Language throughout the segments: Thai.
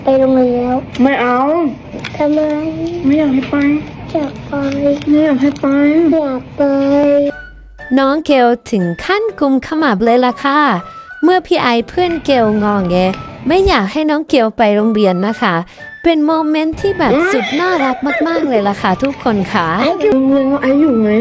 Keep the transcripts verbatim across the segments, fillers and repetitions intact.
ไปโรงเรียนแล้วไม่เอาทำไมไม่อยากให้ไปอยากไปไม่อยากให้ไปอยากไปน้องเกลถึงขั้นกุมขมับเลยล่ะค่ะเมื่อพี่ไอเพื่อนเกลงอแงไม่อยากให้น้องเกลไปโรงเรียนนะคะเป็นโมเมนต์ที่แบบสุดน่ารักมากๆเลยล่ะค่ะทุกคนค่ะไอ้โรงเรียนว่าไอ้อยู่ไง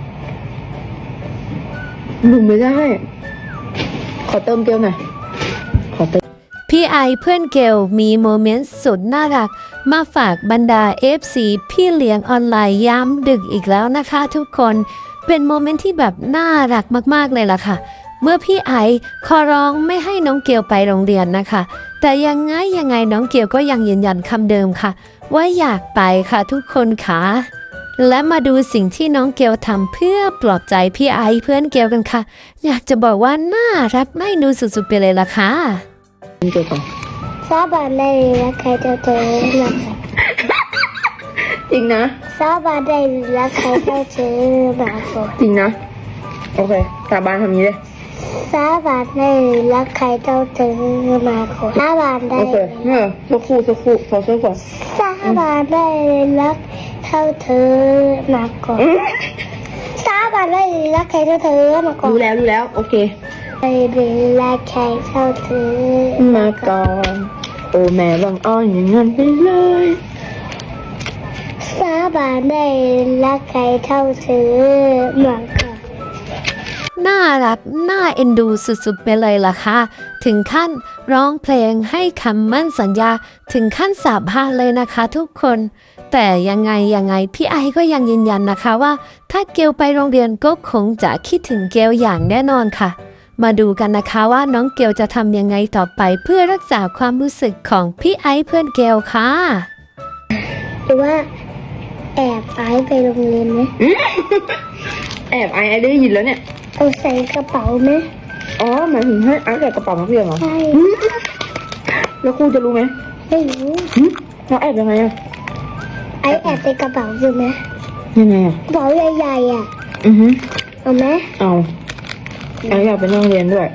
อยู่ไม่ได้ขอเติมเกลหน่อยขอเติมพี่ไอเพื่อนเกลมีโมเมนต์สุดน่ารักมาฝากบรรดา เอฟ ซี พี่เลี้ยงออนไลน์ย้ำดึกอีกแล้วนะคะทุกคนเป็นโมเมนต์ที่แบบน่ารักมากๆเลยล่ะค่ะเมื่อพี่ไอขอร้องไม่ให้น้องเกลไปโรงเรียนนะคะแต่ยังไงยังไงน้องเกลก็ยังยืนยันคำเดิมค่ะว่าอยากไปค่ะทุกคนค่ะและมาดูสิ่งที่น้องเกลทำเพื่อปลอบใจพี่ไอเพื่อนเกลกันค่ะอยากจะบอกว่าน่ารักน่าดูสุดๆไปเลยล่ะค่ะเกลก่อนสาบานได้รักใครเจ้าเธอรักจริงนะสาบานได้รักใครเจ้าเธอมาขอจริงนะโอเคสาบานทำนี้เลยสาบานได้รักใครเจ้าเธอมาขอสาบานได้โอเคเออสักครู่สักครู่ขอสักก่อนสาบานได้รักเท่าเธอมาก่อนสาบานได้รักใครเท่าเธอมาก่อนดูแล้วดูแล้วโอเคได้รักใครเท่าเธอมาก่อนโอ้แม่บังอ้อนอย่างนั้นไปเลยสาบานได้รักใครเท่าเธอมาก่อนน่ารักน่าเอ็นดูสุดๆไปเลยล่ะค่ะถึงขั้นร้องเพลงให้คำมั่นสัญญาถึงขั้นสาบานเลยนะคะทุกคนแต่ยังไงยังไงพี่ไอก็ยังยืนยันนะคะว่าถ้าเกลไปโรงเรียนก็คงจะคิดถึงเกลอย่างแน่นอนค่ะมาดูกันนะคะว่าน้องเกลจะทำยังไงต่อไปเพื่อรักษาความรู้สึกของพี่ไอเพื่อนเกลค่ะหรือว่าแอบไอไปโรงเรียนไหมแอบไอไอได้ยินแล้วเนี่ยเอาใส่กระเป๋าไหมอ๋อหมายถึงให้ไอใส่กระเป๋านักเรียนเหรอใช่แล้วครูจะรู้ไหมไม่รู้เราแอบยังไงอะไอแอบในกระเป๋าอยู่ไหมยังไงอะกระเป๋าใหญ่ๆอ่ะอือฮึเอาไหมเอาไออยากไปโรงเรียนด้วย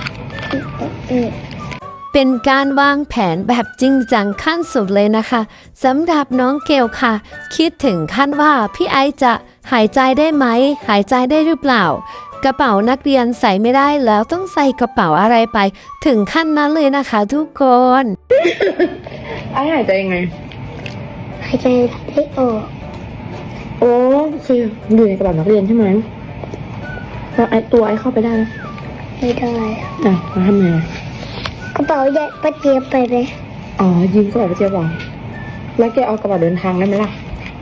เป็นการวางแผนแบบจริงจังขั้นสุดเลยนะคะสำหรับน้องเกลค่ะคิดถึงขั้นว่าพี่ไอจะหายใจได้ไหมหายใจได้หรือเปล่ากระเป๋านักเรียนใส่ไม่ได้แล้วต้องใส่กระเป๋าอะไรไปถึงขั้นนั้นเลยนะคะทุกคนไอหายใจยังไงหายใจไม่ออกโอ้คืออยู่ในกระเป๋านักเรียนใช่ไหมแล้วไอตัวไอเข้าไปได้ไหมไม่ได้อ่ะมาทำไงกระเป๋าใหญ่ป้าเจี๊ยบไปเลยอ๋อยืมกระเป๋าป้าเจี๊ยบหรอแล้วแกเอากระเป๋าเดินทางได้ไหมล่ะ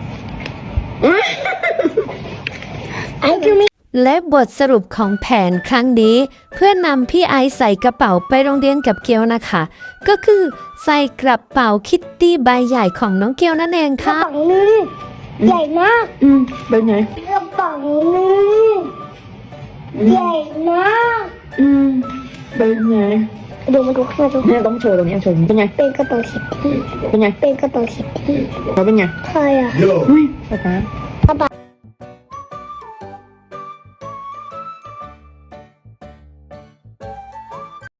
ไอ้คือไม่และบทสรุปของแผนครั้งนี้เพื่อนำพี่ไอใส่กระเป๋าไปโรงเรียนกับเกลนะคะก็คือใส่กระเป๋าคิตตี้ใบใหญ่ของน้องเกลนั่นเองค่ะกระเป๋านึงใหญ่มากอืมเป็นไงกระเป๋านึงใหญ่มากอืมเป็นไงดูมาดูข้างในดูเนี่ยต้องโชว์ตรงนี้โชว์เป็นไงเป็นกระเป๋าคิตตี้เป็นไงเป็นกระเป๋าคิตตี้เขาเป็นไงใครอ่ะเฮ้ยป๊าป๊า